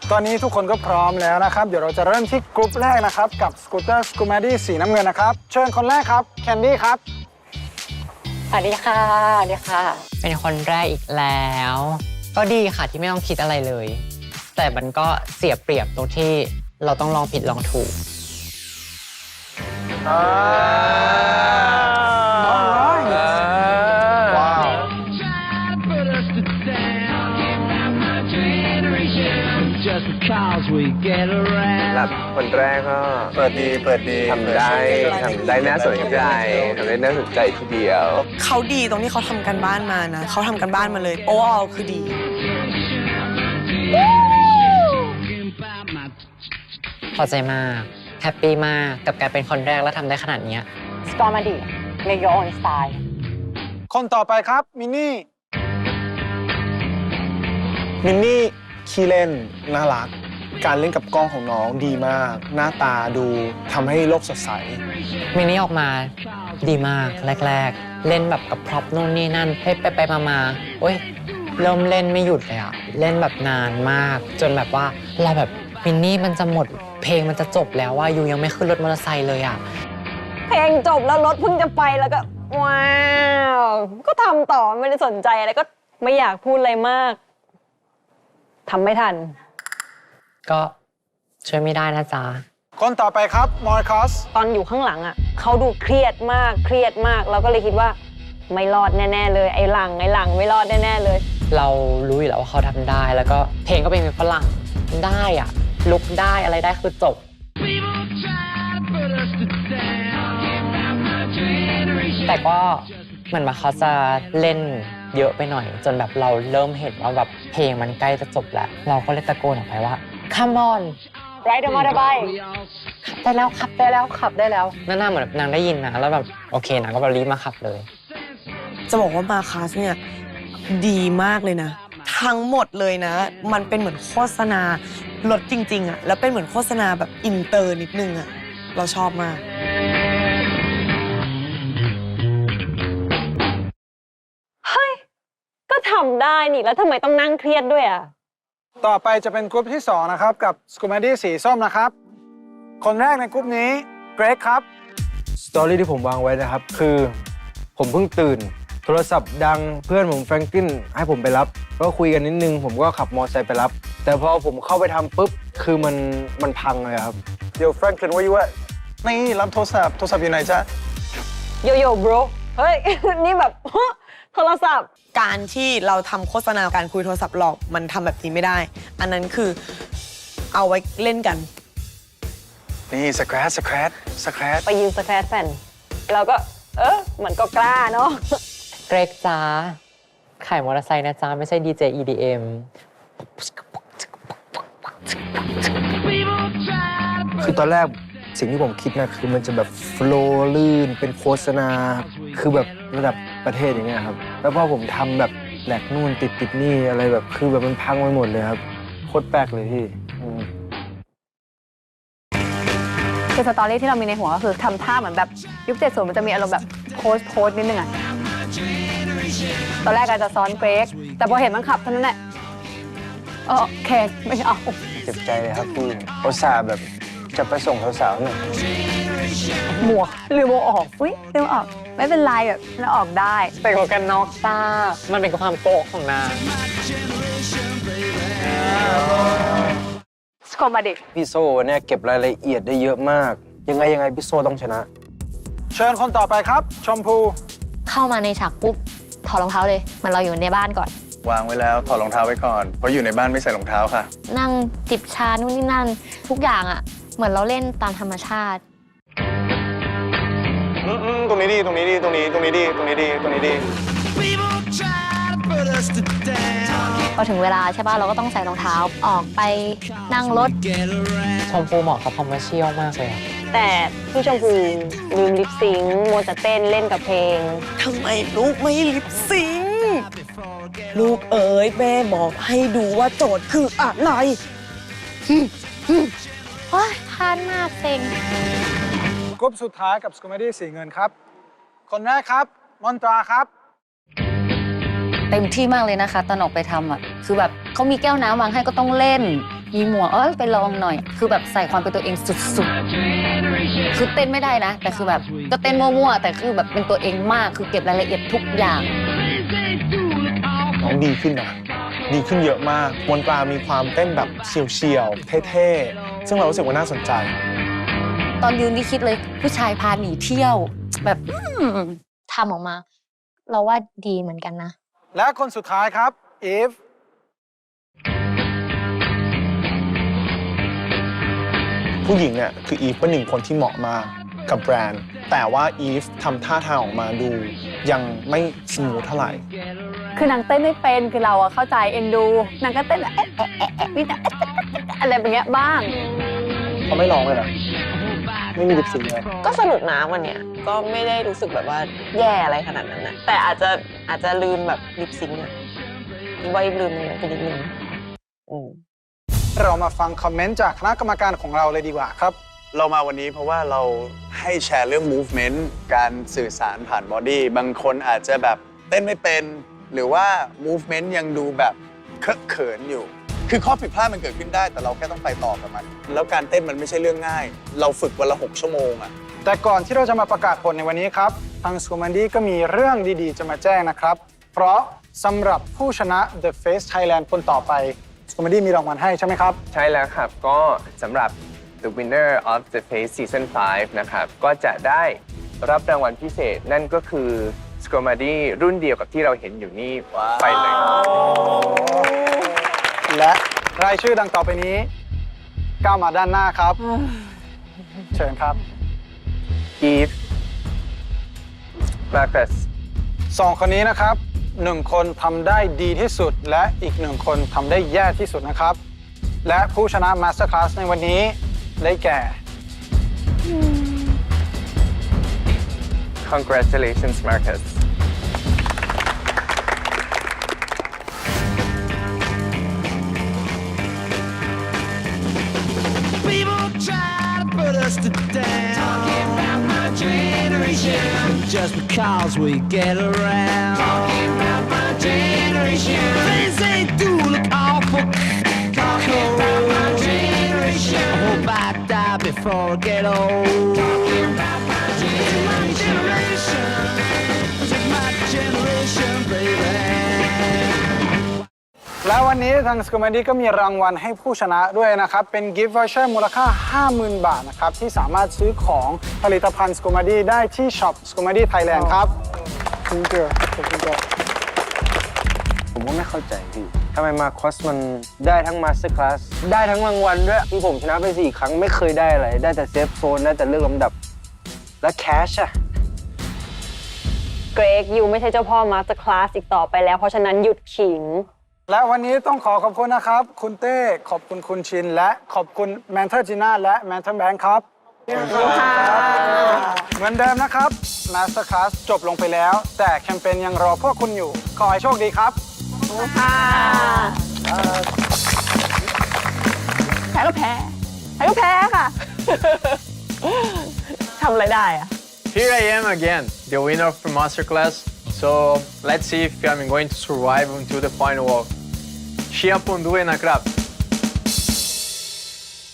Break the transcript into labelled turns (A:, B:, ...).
A: ตอนนี้ทุกคนก็พร้อมแล้วนะครับ เดี๋ยวเราจะเริ่มที่กลุ่มแรกนะครับกับสกูตเตอร์สกูมาดี้สีน้ำเงินนะครับเชิญคนแรกครับแคนดี้ครับ
B: สวัสดีค่ะสวัสดีค่ะ เป็นคนแรกอีกแล้ว ก็ดีค่ะที่ไม่ต้องคิดอะไรเลย แต่มันก็เสียเปรียบตรงที่เราต้องลองผิดลองถูก
A: ว้าว
C: รับคนแรกก็
A: เปิดดี
C: ทำได้น่าสนใจทำได้น่าสนใจทีเดียว
D: เขาดีตรงที่เขาทำกันบ้านมานะเขาทำกันบ้านมาเลยโอ้คือดี
B: พอใจมาก แฮปปี้มากกับการเป็นคนแรกแล้วทำได้ขนาดนี้สกอร์มาดิ make your own style
A: คนต่อไปครับมินนี่ขี้เล่นน่ารักการเล่นกับกล้องของน้องดีมากหน้าตาดูทำให้โลกสดใส
B: มินนี่ออกมาดีมากแรกๆ เล่นแบบกับพร็อพนู่นนี่นั่นไปมาโอ้ยเริ่มเล่นไม่หยุดเลยอะเล่นแบบนานมาก จนแบบว่าเราแบบมินนี่มันจะหมดเพลงมันจะจบแล้วว่ายูยังไม่ขึ้นรถมอเตอร์ไซค์เลยอะเพลงจบแล้วรถเพิ่งจะไปแล้วก็ว้าวก็ทำต่อไม่ได้สนใจอะไรก็ไม่อยากพูดอะไรมากทำไม่ทันก็ช่วยไม่ได้นะจ๊ะ
A: คนต่อไปครับมอร์คัส
E: ตอนอยู่ข้างหลังอ่ะเขาดูเครียดมากเราก็เลยคิดว่าไม่รอดแน่ๆเลยไอ้หลังไม่รอดแน่ๆเลย
B: เรารู้อยู่แล้วว่าเขาทำได้แล้วก็เพลงก็เป็นเพลงฝรั่งได้อะลุกได้อะไรได้คือจบแต่ก็เหมือนว่าเขาจะเล่นเยอะไปหน่อยจนแบบเราเริ่มเห็นว่าแบบเพลงมันใกล้จะจบแล้วเราก็เลยตะโกนออกไปว่า Come on ride a motorbike ขับได้แล้วขับได้แล้วนั่นน่าเหมือนแบบนางได้ยินนะแล้วแบบโอเคนางก็แบบรีบมาขับเลย
D: จะบอกว่ามาคัสเนี่ยดีมากเลยนะทั้งหมดเลยนะมันเป็นเหมือนโฆษณารถจริงๆอะแล้วเป็นเหมือนโฆษณาแบบอินเตอร์นิดนึงอะเราชอบมาก
E: ก็ทำได้นี่แล้วทำไมต้องนั่งเครียดด้วยอ่ะ
A: ต่อไปจะเป็นกลุ่มที่2นะครับกับสกูมาดี้สีส้มนะครับคนแรกในกลุ่มนี้เกรกครับ
C: สตอรี่ที่ผมวางไว้นะครับคือผมเพิ่งตื่นโทรศัพท์ดังเพื่อนผมแฟรงกินให้ผมไปรับก็คุยกันนิดนึงผมก็ขับมอเตอร์ไซค์ไปรับแต่พอผมเข้าไปทำปุ๊บคือมันพังเลยครับ
A: เดี๋ยวแฟรงคลินว่าอยู่ว่านี่รับโทรศัพท์อยู่ไหนจ๊ะ
E: โยโย่ bro เฮ้ย นี่แบบ โทรศัพท์
D: การที่เราทำโฆษณาการคุยโทรศัพท์หลอกมันทำแบบนี้ไม่ได้ อันนั้นคือเอาไว้เล่นกัน
A: นี่สแครช
E: ไปยืมสแครชแฟนเราก็เหมือนก็กล้าเนาะ
B: เกรกจ้าขายมอเตอร์ไซค์นะจ้าไม่ใช่ดีเจ EDM
C: คือตอนแรกสิ่งที่ผมคิดนะคือมันจะแบบโฟลว์ลื่นเป็นโฆษณาคือแบบระดับประเทศอย่างเงี้ยครับแล้วพอผมทำแบบแหลกนู่นติดนี่อะไรแบบคือแบบมันพังไปหมดเลยครับโคตรแปลกเลยพี่
F: คือสตอรี่ที่เรามีในหัวก็คือทำท่าเหมือนแบบยุค70มันจะมีอารมณ์แบบโพสนิดนึงอะตอนแรกอาจจะซ้อนเกรกแต่พอเห็นมันขับเท่านั้นแหละโอเคไม่เอา
C: เจ็บใจเลยครับพี่อุตส่าห์แบบจะไปส่งสาวๆหน่อย
F: หมวกลืมเอาออกอุ้ยลืมเอาออกไม่เป็นไรแบบแล้วออกได้
B: แต่หมวกกันน็อกจ้ามันเป็นความโกะของนาง
F: สกอมาดิ
C: พี่โซ่เนี่ยเก็บรายละเอียดได้เยอะมากยังไงพี่โซ่ต้องชนะ
A: เชิญคนต่อไปครับชมพู
G: เข้ามาในฉากปุ๊บถอดรองเท้าเลยเหมือนเราอยู่ในบ้านก่อน
H: วางไว้แล้วถอดรองเท้าไว้ก่อนเพราะอยู่ในบ้านไม่ใส่รองเท้าค่ะ
G: นั่งจิบชานู่นนี่นั่น ทุกอย่างอะเหมือนเราเล่นตามธรรมชาติ
H: ตรงนี้ดีตรงนี้ดีตรงนี้ดี
G: พอถึงเวลาใช่ป่ะเราก็ต้องใส่รองเท้าออกไปนั่งรถ
B: ชมพูเหมาะกับคอมเมอร์เชียลมากเลยอะ
E: แต่พี่ชมพูลืมลิปซิงค์มัวแต่เต้นเล่นกับเพลง
D: ทำไมลูกไม่ลิปซิงค์ลูกเอ๋ยแม่บอกให้ดูว่าโจทย์คืออะไร
G: โอ๊ยพลาดมากเซ็ง
A: กลุ่มสุดท้ายกับสกูมาดี้สีเงินครับคนแรกครับมอนตราครับ
I: เต็มที่มากเลยนะคะตอนออกไปทำอ่ะคือแบบเขามีแก้วน้ำวางให้ก็ต้องเล่น
G: มีหมวกไปลองหน่อย คือแบบใส่ความเป็นตัวเองสุดๆคือเต้นไม่ได้นะ แต่คือแบบก็เต้นมั่วๆแต่คือแบบเป็นตัวเองมากคือเก็บรายละเอียดทุกอย่าง
A: น้องดีขึ้นนะดีขึ้นเยอะมากมนตรามีความเต้นแบบเฉียวๆเท่ๆซึ่งเรารู้สึกว่าน่าสนใจ
G: ตอนยืนนี่คิดเลยผู้ชายพาหนีเที่ยวแบบ
I: ทำออกมา เราว่าดีเหมือนกันนะ
J: และคนสุดท้ายครับอีฟ
A: ผู้หญิงเนี่ยคืออีฟเป็นหนึ่งคนที่เหมาะมากกับแบรนด์ แต่ว่าอีฟทำท่าทางออกมาดูยังไม่สมูทเท่าไหร่
F: คือนางเต้นไม่เป็นคือเราอะเข้าใจเอ็นดูนางก็เต้นแบบนี่แต่อะไรแบบเงี้ยบ้าง
C: เขาไม่ร้องเลยเหรอไม่มีลิปซิงค์เลย
D: ก็สนุกนะวันเนี้ยก็ไม่ได้รู้สึกแบบว่าแย่อะไรขนาดนั้นนะแต่อาจจะลืมแบบลิปซิงค์อะว่าลืมมันไปนิดนึง
J: เรามาฟังคอมเมนต์จากคณะกรรมการของเราเลยดีกว่าครับ
H: เรามาวันนี้เพราะว่าเราให้แชร์เรื่อง movement การสื่อสารผ่านบอดี้บางคนอาจจะแบบเต้นไม่เป็น หรือว่า movement ยังดูแบบเคอะเขินอยู่ คือข้อผิดพลาดมันเกิดขึ้นได้แต่เราแค่ต้องไปต่อกับมัน แล้วการเต้นมันไม่ใช่เรื่องง่าย เราฝึกวันละ6 ชั่วโมงอะ
J: แต่ก่อนที่เราจะมาประกาศผลในวันนี้ครับ ทางสกูมันดี้ก็มีเรื่องดีๆ จะมาแจ้งนะครับ เพราะสำหรับผู้ชนะ The Face Thailand คนต่อไปสกูมันดี้มีรางวัลให้ใช่ไหมครับ
K: ใช่แล้วครับ ก็สำหรับ The Winner of the Face Season 5 นะครับ ก็จะได้รับรางวัลพิเศษนั่นก็คือ s c o m a d y รุ่นเดียวกับที่เราเห็นอยู่นี่ไปเลย
J: และรายชื่อดังต่อไปนี้ก้าวมาด้านหน้าครับ เชิญครับ
K: Eve Marcus
J: 2 คนนี้นะครับ 1 คนทำได้ดีที่สุด และอีก 1 คนทำได้แย่ที่สุดนะครับ และผู้ชนะ Master Class ในวันนี้ได้แก่
K: Congratulations Marcus
L: People try to put us to down. Talking about my generation. Just because we get around. Talking about my generation. Things they do look awful. Talking about my generation. I hope I die before I get old. Talking about my generation. Just my generation, baby.
J: และวันนี้ทาง s c o m a d y ก็มีรางวัลให้ผู้ชนะด้วยนะครับ เป็น Gift Voucher มูลค่า 50,000 บาทนะครับ ที่สามารถซื้อของผลิตภัณฑ์ s c o m a d y ได้ที่ช็อป s c o m a d y Thailand ครับคุณเกลือขอบคุณครับ
C: ผมก็ไม่เข้าใจพี่ทำไมมาคอสมันได้ทั้งมาสเตอร์คลาสได้ทั้งรางวัลด้วยที่ผมชนะไป4 ครั้งไม่เคยได้อะไร ได้แต่เซฟโซนได้แต่เลือกลำดับ และแคชอะ
E: เกรกยูไม่ใช่เจ้าพ่อมาสเตอร์คลาสอีกต่อไปแล้วเพราะฉะนั้นหยุดขิง
J: และวันนี้ต้องขอบคุณนะครับ คุณเต้ขอบคุณคุณชิน และขอบคุณแมนเทอร์จีน่าและแมนเทอร์แบงค์ครับเหมือนเดิมนะครับ Master Class จบลงไปแล้ว แต่แคมเปญยังรอพวกคุณอยู่ ขอให้โชคดีครับ
F: แพ้ก็แพ้ค่ะ
D: ทำอะไรได้อะ
M: Here I am again, the winner of the masterclass. So let's see if I'm going to survive until the final walk. Chia Pondue na Krab.